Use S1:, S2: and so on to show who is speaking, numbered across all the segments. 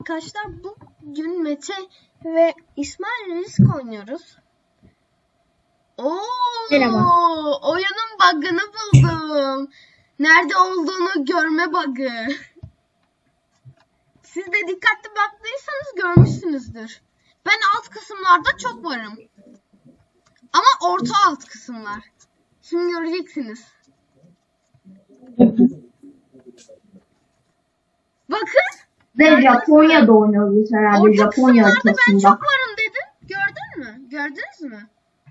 S1: arkadaşlar, bugün Mete ve İsmail risk oynuyoruz.
S2: Merhaba.
S1: Oyunun bug'ını buldum. Nerede olduğunu görme bug'ı. Siz de dikkatli baktıysanız görmüşsünüzdür. Ben alt kısımlarda çok varım. Ama orta alt kısımlar. Şimdi göreceksiniz. Bakın.
S2: Ve Japonya'da oynuyoruz herhalde.
S1: Orta
S2: Japonya
S1: kısımlarda ben
S2: haritasında.
S1: çok varım dedim. Gördün mü? Gördünüz mü?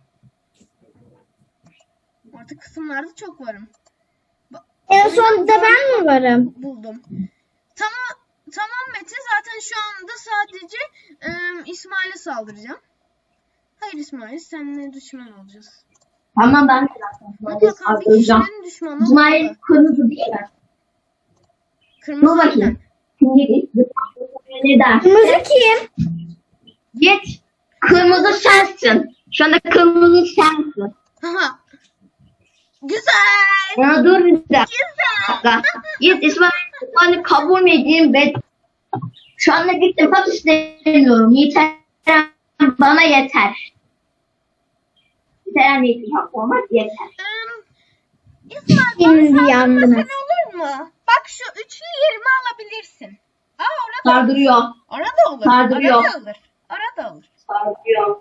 S1: Orta kısımlarda çok varım.
S2: En sonunda ben mi varım?
S1: Buldum. Tamam Mete, zaten şu anda sadece İsmail'e saldıracağım. Hayır İsmail, seninle düşman olacağız.
S2: Tamam, ben de
S1: Bak bakalım bir kişinin düşmanı
S2: İsmail
S1: oldu.
S2: kırmızı değil mi?
S1: Kırmızı
S2: Dur bakayım.
S1: aynen.
S2: Şimdi ne der? Kırmızı kim? Git. Kırmızı sensin. Şu anda kırmızı sensin.
S1: Haha. Güzel.
S2: Ya dur bir dakika.
S1: Güzel.
S2: Git İsmail kabul mü edeyim ben? Şu anda gittim, bak istemiyorum. Yeter. Bana yeter. Yeter, ne ittifak olmaz, yeter.
S1: İsmail,
S2: Şimdi
S1: bana
S2: yandınız.
S1: saldırmasan olur mu? Bak şu üçlü yerimi alabilirsin. Orada
S2: Sardırıyor.
S1: Orada olur.
S2: Sardırıyor.
S1: Orada olur. Orada olur.
S2: Sardırıyor.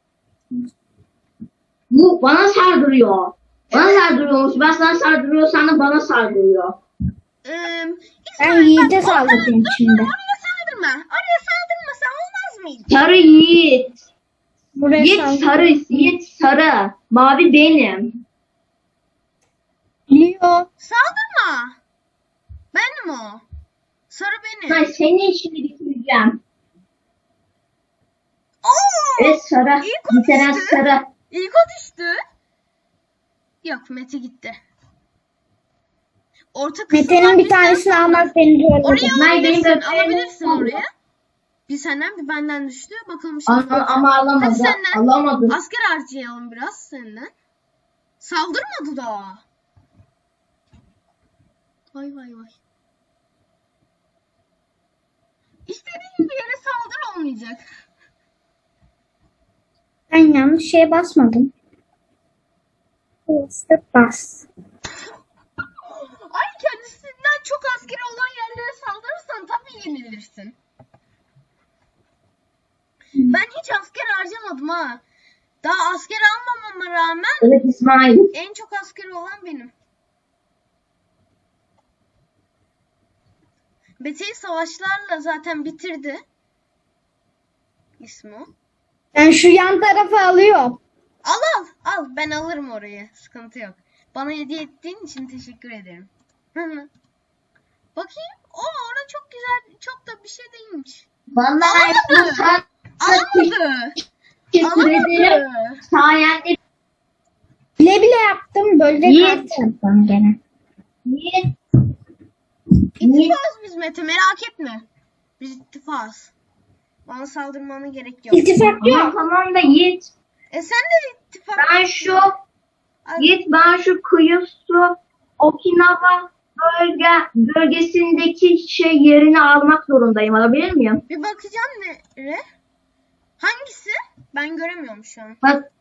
S2: Bu bana sardırıyor. Bana sardırıyormuş. Ben sana sardırıyorsam da bana sardırıyor.
S1: Ben
S2: Yiğit'e saldırdım şimdi.
S1: Oraya saldırma. Oraya saldırmasan olmaz mıydı?
S2: Sarı Yiğit.
S3: Buraya
S2: Yiğit sarı. Yiğit sarı. Mavi benim.
S3: Leo.
S1: Saldırma. Benim o. Sarı benim.
S2: Ben senin işini bitireceğim.
S1: Oo!
S2: Evet sarı.
S1: İyi konuştu.
S2: Bitiren sarı.
S1: İlk o düştü. Yok, Mete gitti. Orta kısımdan
S3: Mete'nin bir tanesini almak beni zorladı.
S1: Oraya alabilirsin.
S2: benim
S1: Alabilirsin
S2: benim-
S1: oraya. Bir senden bir benden düştü. Bakalım
S2: Ama alamadı.
S1: Hadi senden.
S2: Alamadı.
S1: Asker harcayalım biraz senden. Saldırmadı daha. Vay vay vay. İstediğin bir yere saldır olmayacak.
S3: Ben yanlış şeye basmadım. İşte bas.
S1: Ay, kendisinden çok askeri olan yerlere saldırırsan tabii yenilirsin. Ben hiç asker harcamadım ha. Daha asker almamama rağmen
S2: Evet İsmail.
S1: en çok askeri olan benim. Mete'yi savaşlarla zaten bitirdi. İsmo.
S3: Ben şu yan tarafı alıyorum.
S1: Al. Ben alırım orayı. Sıkıntı yok. Bana hediye ettiğin için teşekkür ederim. Bakayım. Orada çok güzel. Çok da bir şey değilmiş.
S2: Vallahi
S1: Alamadı.
S2: sen
S1: Alamadı.
S2: teşekkür ederim.
S1: Alamadı.
S2: Sayende
S3: Bile bile yaptım. Böyle
S2: Yiğit.
S3: yaptım gene.
S2: Yiğit.
S1: İttifakız biz Mete, merak etme. Biz ittifakız. Bana saldırmana gerek yok.
S3: İltifak yok.
S2: Tamam da Yiğit.
S1: Sen de ittifak.
S2: Ben şu kıyı su Okinawa bölgesindeki yerini almak zorundayım. Alabilir miyim?
S1: Bir bakacağım nere? Hangisi? Ben göremiyorum şu an.
S2: Bak.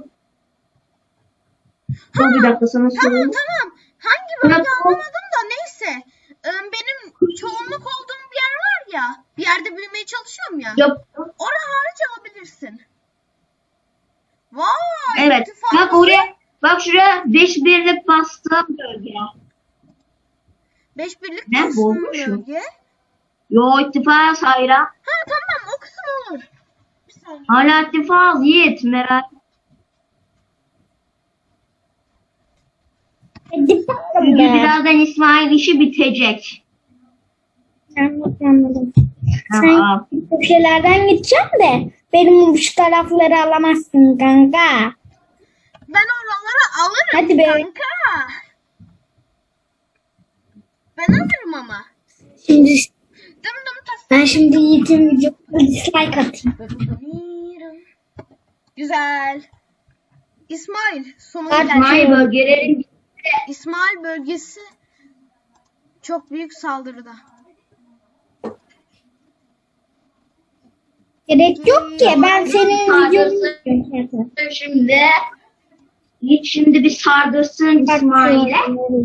S2: Dur bir dakika sana söyleyeyim.
S1: Tamam. Hangi bölge
S2: Bırak o-
S1: anlamadım da neyse. Benim çoğunluk olduğum bir yer var ya. Bir yerde büyümeye çalışıyorum ya.
S2: Yap.
S1: Oraya hariç alabilirsin. Vay.
S2: Evet.
S1: ittifakımız-
S2: Bak oraya. Bak şuraya 5 birlik bastığım bölge.
S1: 5 birlik
S2: Ne,
S1: bastığım
S2: bozmuş mu?
S1: bölge.
S2: Yo ittifak hayra.
S1: Tamam, o kısım olur. Bir saniye.
S2: Hala ittifak Yiğit merak.
S3: Hadi bakalım
S2: Çünkü
S3: ya.
S2: birazdan İsmail işi bitecek.
S3: Anladım.
S2: Aa.
S3: Sen köşelerden gideceğim de benim şu tarafları alamazsın kanka.
S1: Ben oraları alırım
S3: Hadi be.
S1: kanka. Ben alırım ama.
S3: Şimdi
S1: Dım dım tas.
S3: ben şimdi Yiğit'in videosuna dislike atayım.
S1: Güzel. İsmail sonuna
S3: Hadi.
S1: geldi.
S2: İsmail bölgelerin
S1: İsmail bölgesi çok büyük saldırıda.
S3: Gerek yok ki. Ben senin videonu
S2: Şimdi şimdi bir sardırsın İsmail'e.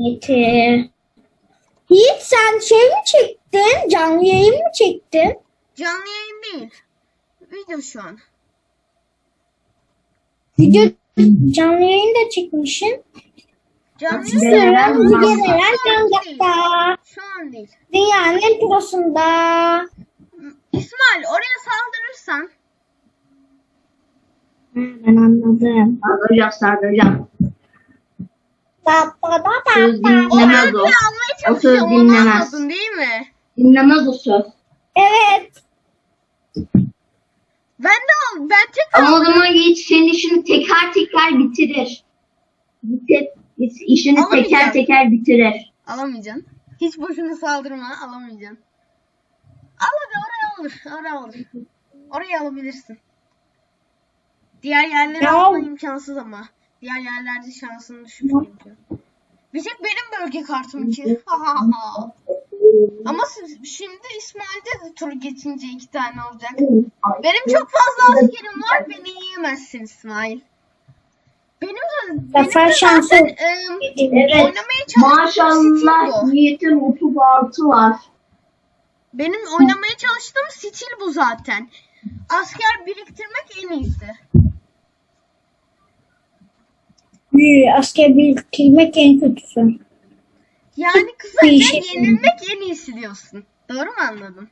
S3: Yiğit sen şey mi çektin? Canlı yayın mı çektin?
S1: Canlı yayın değil. Video şu an.
S3: Video canlı yayın da çekmişsin.
S1: Canlı
S2: Nasıl
S1: yayın
S2: ya?
S3: Videolar
S1: şu an değil.
S3: Gangak'ta.
S1: Şu an değil.
S3: Dünyanın en prosunda.
S1: İsmail oraya saldırırsan
S3: Ben anladım.
S2: Sardıracağım.
S3: Da da da
S2: Söz
S3: da.
S1: o
S2: dinlemez
S1: elbise
S2: o.
S1: almaya
S2: O söz
S1: çalışıyor. Onu
S2: dinlemez.
S1: anladın değil mi?
S2: Dinlemez o söz.
S3: Evet.
S1: Ben tekrar
S2: Ama o zaman Yiğit senin işini teker teker bitirir. İşini teker
S1: Alamayacağım.
S2: teker bitirir.
S1: alamayacaksın. Hiç boşuna saldırma, alamayacaksın. Al hadi oraya alır. Oraya alır. Orayı alabilirsin. Diğer yerleri
S3: Ya.
S1: alman imkansız ama. Diğer yerlerde şansın düşük çünkü. Bir tek benim bölge kartım ki. Ama şimdi İsmail'de de tur geçince 2 tane olacak. Benim çok fazla askerim var. Beni yiyemezsin İsmail. Benim de
S3: şansı.
S1: zaten
S2: Evet.
S1: oynamaya çalıştığım stil
S2: Maşallah
S1: bu.
S2: Yiğit'in 36 var.
S1: Benim oynamaya çalıştığım stil bu zaten. Asker biriktirmek en iyisi.
S3: Asker biriktirmek en kötüsü.
S1: Yani kısaca
S3: Değişik.
S1: yenilmek en iyisi diyorsun. Doğru mu anladın?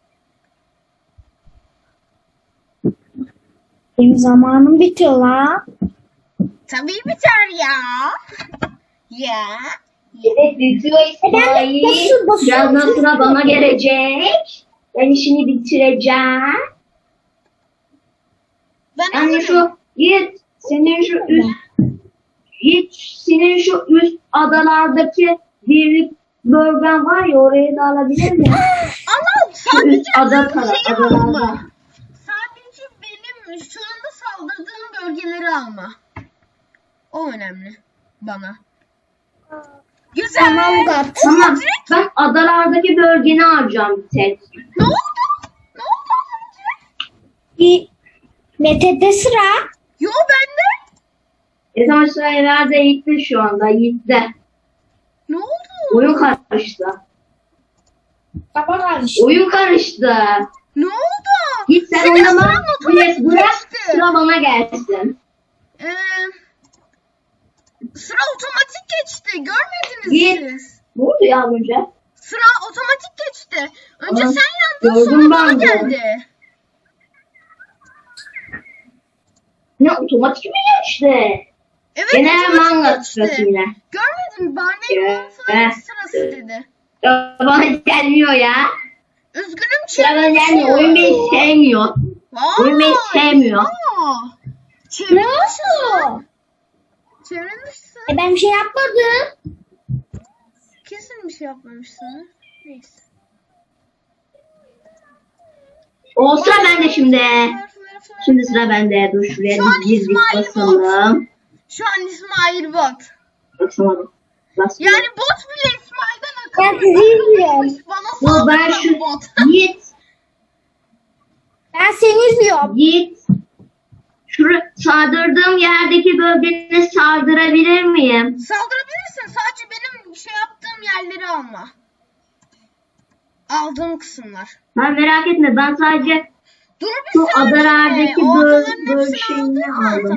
S3: Benim zamanım bitiyor la.
S1: Tabii biter ya. Ya.
S2: Evet bitiyor İsmail.
S3: basıyor,
S2: Birazdan sıra bana gelecek. Ben işini bitireceğim.
S1: Ben
S2: Yani
S1: hazırım.
S2: şu Yiğit senin şu üst adalardaki birlik bölgen var ya orayı da alabilir miyim?
S1: Ama
S2: Şu
S1: sadece
S2: üst ada
S1: şeyi
S2: adalarda.
S1: alma. Sadece benim şu anda saldırdığım bölgeleri alma. O önemli bana. Güzel.
S3: Tamam da.
S2: Tamam ben adalardaki bölgeni harcayacağım bir tek.
S1: Ne oldu? Ne oldu az önce?
S3: Bir Mete'de sıra.
S1: Yo bende.
S2: Zaman sıra herhalde Yiğit'te şu anda Yiğit'te.
S1: Ne oldu?
S2: Oyun karıştı.
S3: Baba kardeşim.
S2: Oyun karıştı.
S1: Ne oldu?
S2: Yiğit sen
S1: Senin
S2: oynama.
S1: sıran otomatik
S2: Bırak
S1: geçti.
S2: sıra bana gelsin.
S1: Ee, sıra otomatik geçti. Görmediniz
S2: Yiğit.
S1: siz.
S2: Ne oldu ya az önce?
S1: Sıra otomatik geçti. Önce
S2: Aa,
S1: sen yandın
S2: gördüm
S1: sonra bana
S2: ben de.
S1: geldi.
S2: Ne otomatik mi geçti?
S1: Evet
S2: Gene
S1: otomatik
S2: manga
S1: geçti.
S2: sırası yine.
S1: Görmedin mi? Barney'in sırası dedi.
S2: Ya bana gelmiyor ya.
S1: Üzgünüm
S2: Sıra bana
S1: çevrim
S2: gelmiyor.
S1: dışı.
S2: Oyun beni sevmiyor. Oyun beni sevmiyor.
S1: Çevrim
S3: Ne
S1: dışı.
S3: oldu?
S1: Çevrim dışı.
S3: Ben bir şey yapmadım.
S1: Kesin bir şey yapmamışsın. Neyse.
S2: O sıra bende şimdi. Şimdi sıra bende. Dur şuraya
S1: Şu an
S2: bir gizli
S1: İsmail
S2: basalım.
S1: Şu an İsmail bot.
S2: Basamadım. Basmadım.
S1: Yani bot bile İsmail'den
S3: Ben
S1: akıllı.
S3: sizi izliyorum.
S1: Bana
S2: Yo, ben
S1: saldıran
S2: şu
S1: bot.
S2: Yiğit.
S3: Ben seni izliyorum.
S2: Yiğit. Sardırdığım yerdeki bölgene sardırabilir miyim?
S1: Saldırabilirsin. Sadece benim şey yaptığım yerleri alma. Aldığım kısımlar.
S2: Ben merak etme ben sadece
S1: Dur bir
S2: şu
S1: saniye.
S2: adalardaki
S1: O adaların hepsini
S2: şeyini
S1: aldın mı?
S2: aldım.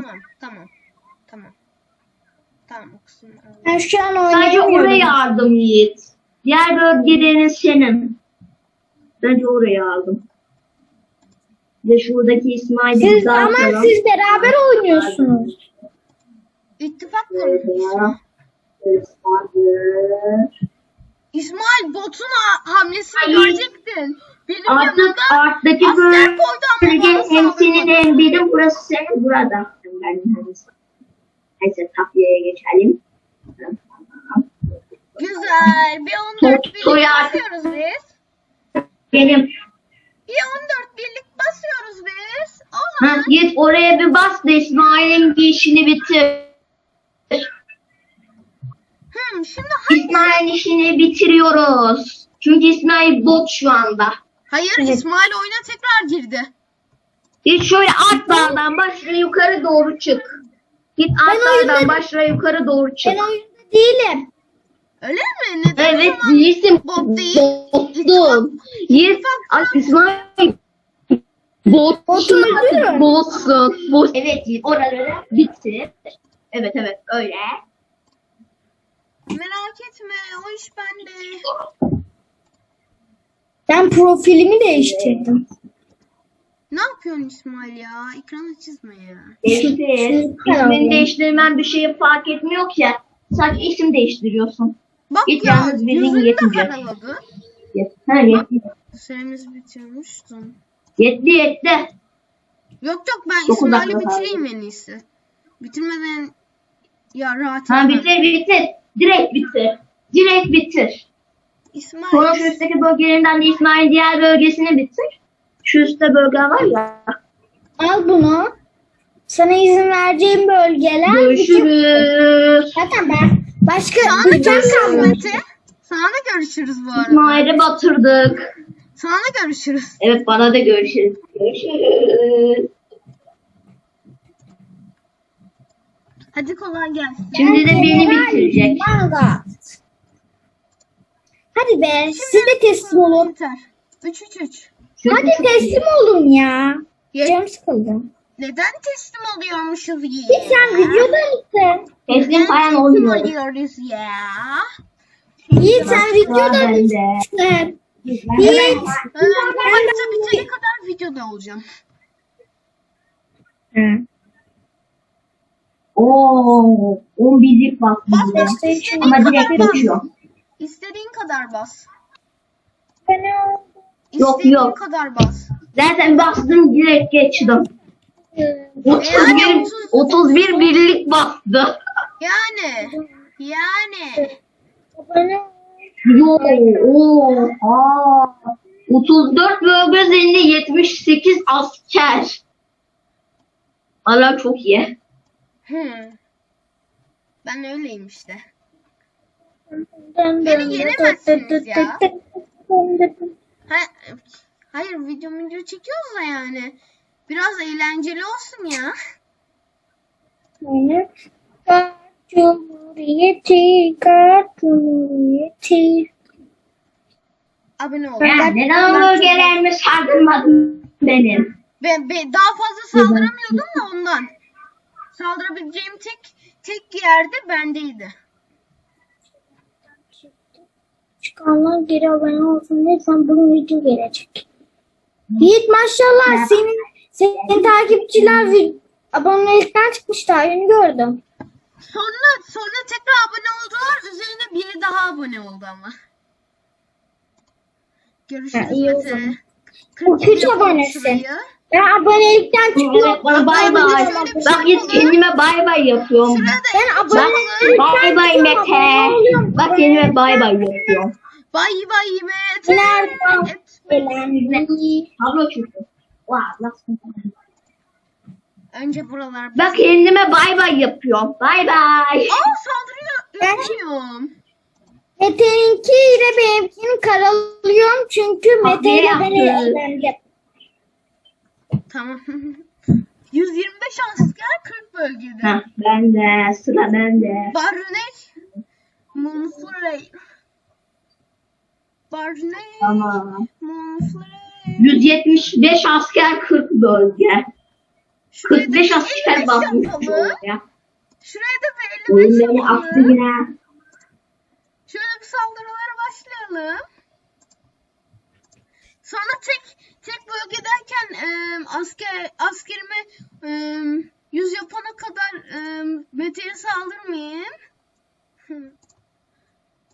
S1: Tamam o kısımları aldım.
S3: Ben şu an
S2: Sadece
S3: oynayamıyorum.
S2: orayı aldım Yiğit. Diğer bölgelerin senin. Bence orayı aldım. Ve şuradaki İsmail'i
S3: Siz,
S2: güzel
S3: ama
S2: atalım.
S3: siz beraber oynuyorsunuz.
S1: İttifak kurmuşsun. İsmail botun hamlesini
S2: Hayır.
S1: görecektin. Benim
S2: Artık
S1: yanımda
S2: arttaki
S1: asker koydu ama
S2: bölge
S1: bana
S2: hem senin
S1: saldırmadı.
S2: hem benim. Burası senin burada. Neyse tapyaya geçelim.
S1: Güzel. Bir 14 birlik
S2: Toy artık-
S1: basıyoruz biz.
S2: Benim.
S1: Bir 14 birlik basıyoruz biz. O
S2: Ha,
S1: zaman
S2: git oraya bir bas da İsmail'in işini bitir.
S1: şimdi hangi?
S2: İsmail'in işini bitiriyoruz. Çünkü İsmail bot şu anda.
S1: Hayır
S3: Evet.
S1: İsmail oyuna tekrar girdi.
S2: Git şöyle alt dağdan başla yukarı doğru çık. Git alt dağdan başla yukarı doğru çık.
S3: Ben oyunda değilim.
S1: Öyle mi? Neden
S2: Evet
S1: o zaman
S2: değilsin.
S1: bot değil?
S2: Botsun. Yes. Ay İsmail. Botsun artık botsun. Bot. Evet oraları bitir. Evet öyle.
S1: Merak etme, o iş bende.
S3: Ben profilimi değiştirdim.
S1: Ne yapıyorsun İsmail ya? Ekranı çizme ya.
S2: Değiştir. İsmini değiştirmen bir şeyi fark etmiyor ki. Sadece isim değiştiriyorsun.
S1: Bak
S2: Hiç
S1: ya,
S2: yalnız birinin
S1: yüzünü de
S2: yetmeyecek.
S1: karaladı.
S2: Ha yetti.
S1: Süremiz bitirmiştim.
S2: Yetti.
S1: Yok ben
S2: Dokuz
S1: İsmail'i
S2: dakika
S1: bitireyim en iyisi. Bitirmeden ya rahat
S2: Ha
S1: edemem.
S2: bitir. Direkt bitir.
S1: İsmail,
S2: Sonra şu üstteki bölgelerinden de İsmail'in diğer bölgesini bitir. Şu üstte bölge var ya.
S3: Al bunu. Sana izin vereceğim bölgeler.
S2: Görüşürüz.
S3: Zaten ben başka
S1: sana da
S3: ülkem
S1: görüşürüz
S3: kalmadı.
S1: Mete. Sana da görüşürüz bu arada.
S2: İsmail'i batırdık.
S1: Sana da görüşürüz.
S2: Evet bana da görüşürüz. Görüşürüz.
S1: Hadi kolay gelsin.
S2: Şimdi de beni bitirecek.
S3: Manga. Hadi be siz de teslim olun.
S1: Yeter. 3-3-3.
S3: Hadi teslim olun ya.
S1: Ye-
S3: Canım sıkıldı.
S1: Neden teslim oluyormuşuz ya?
S3: Sen videoda mısın?
S2: Teslim falan
S1: Teslim
S2: olmuyor.
S1: oluyoruz ya.
S3: Yiğit sen videoda
S2: bende.
S3: mısın? Yiğit.
S1: Bu harita bitene kadar videoda olacağım.
S2: Oo, 11'lik bak bize.
S1: Bas istediğin
S2: Ama
S1: kadar
S2: direkt
S1: bas.
S2: geçiyor.
S1: İstediğin kadar bas.
S2: Yok,
S1: İstediğin
S2: yok.
S1: kadar bas.
S2: Zaten bastım direkt geçtim. 31 birlik bastı.
S1: Yani.
S2: Yo, oha. 34 bölge üzerinde 78 asker. Valla çok iyi.
S1: Ben öyleyim işte. Beni yenemezsiniz ya. Hayır video çekiyoruz da yani. Biraz eğlenceli olsun ya. Abone ol.
S2: Ya, neden o bölgelerimi sardırmadın benim?
S1: Ben daha fazla saldıramıyordum da ondan. Saldırabileceğim tek yerde bendeydi.
S3: Çıkanlar geri abone olsun lütfen bugün video gelecek. Yiğit maşallah senin takipçiler abonelikten çıkmış daha yeni gördüm.
S1: Sonra tekrar abone oldular. Üzerine biri daha abone oldu ama. Görüşürüz
S3: iyi o
S1: Mete.
S3: zaman.
S1: 47
S3: 3
S1: yapalım
S3: abonesi.
S1: şurayı.
S3: Ben abonelikten çıkıyorum.
S2: Evet bana bay bay. Bak hiç kendime bay bay yapıyorum.
S1: Şuraya da
S3: Ben
S2: Bak
S3: abonelikten
S2: bay bay Mete. Bak kendime bay bay yapıyorum.
S1: bay Mete.
S3: Nereden gelen
S2: Abla çünkü. Nasıl?
S1: Önce buralar.
S2: Bak kendime bay bay yapıyorum. Bay bay.
S1: Saldırıyor. Üzülüyorum.
S3: Mete'ninki ile benimkini karalıyorum çünkü Mete ile beni
S2: yaptın?
S3: eğlendim.
S1: Tamam. 125 asker 40 bölgede.
S2: Heh, ben de sıra bende.
S1: Barnet. Monfrey. Barnet.
S2: Tamam.
S1: Monfrey.
S2: 175 asker 40 bölge.
S1: Şuraya da
S2: 45
S1: bir
S2: asker
S1: 55
S2: basmış
S1: yapalım.
S2: bölge.
S1: Şuraya da bir 55
S2: Oyun beni attı
S1: yapalım.
S2: yine.
S1: Şöyle bir saldırılara başlayalım. Sonra tek bölgedeyken askerimi